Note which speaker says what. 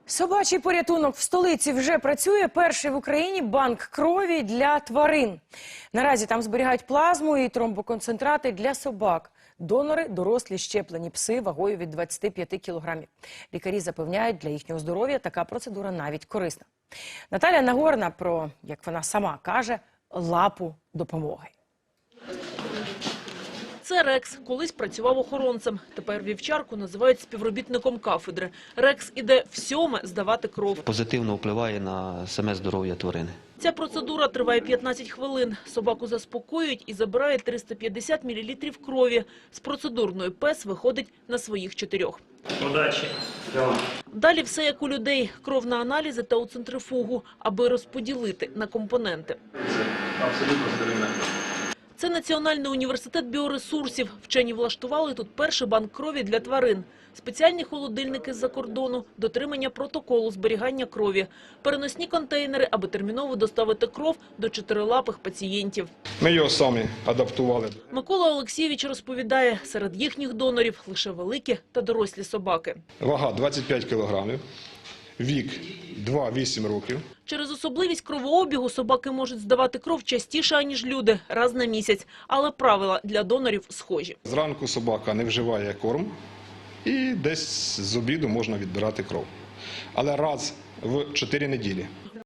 Speaker 1: Собачий порятунок в столиці вже працює. Перший в Україні банк крові для тварин. Наразі там зберігають плазму і тромбоконцентрати для собак. Донори – дорослі щеплені пси вагою від 25 кілограмів. Лікарі запевняють, для їхнього здоров'я така процедура навіть корисна. Наталя Нагорна про, як вона сама каже, лапу допомоги.
Speaker 2: Це Рекс. Колись працював охоронцем. Тепер вівчарку називають співробітником кафедри. Рекс іде в 7-ме здавати кров.
Speaker 3: Позитивно впливає на саме здоров'я тварини.
Speaker 2: Ця процедура триває 15 хвилин. Собаку заспокоюють і забирають 350 мл крові. З процедурної пес виходить на своїх 4.
Speaker 4: Удачі.
Speaker 2: Далі все як у людей. Кров на аналізи та у центрифугу, аби розподілити на компоненти.
Speaker 4: Це абсолютно здоров'я.
Speaker 2: Це Національний університет біоресурсів. Вчені влаштували тут перший банк крові для тварин. Спеціальні холодильники з-за кордону, дотримання протоколу зберігання крові, переносні контейнери, аби терміново доставити кров до чотирилапих пацієнтів.
Speaker 5: Ми його самі адаптували.
Speaker 2: Микола Олексійович розповідає, серед їхніх донорів лише великі та дорослі собаки.
Speaker 5: Вага 25 кілограмів, вік 2-8 років.
Speaker 2: Через особливість кровообігу собаки можуть здавати кров частіше, аніж люди, раз на місяць. Але правила для донорів схожі.
Speaker 5: Зранку собака не вживає корм і десь з обіду можна відбирати кров. Але раз в 4 неділі.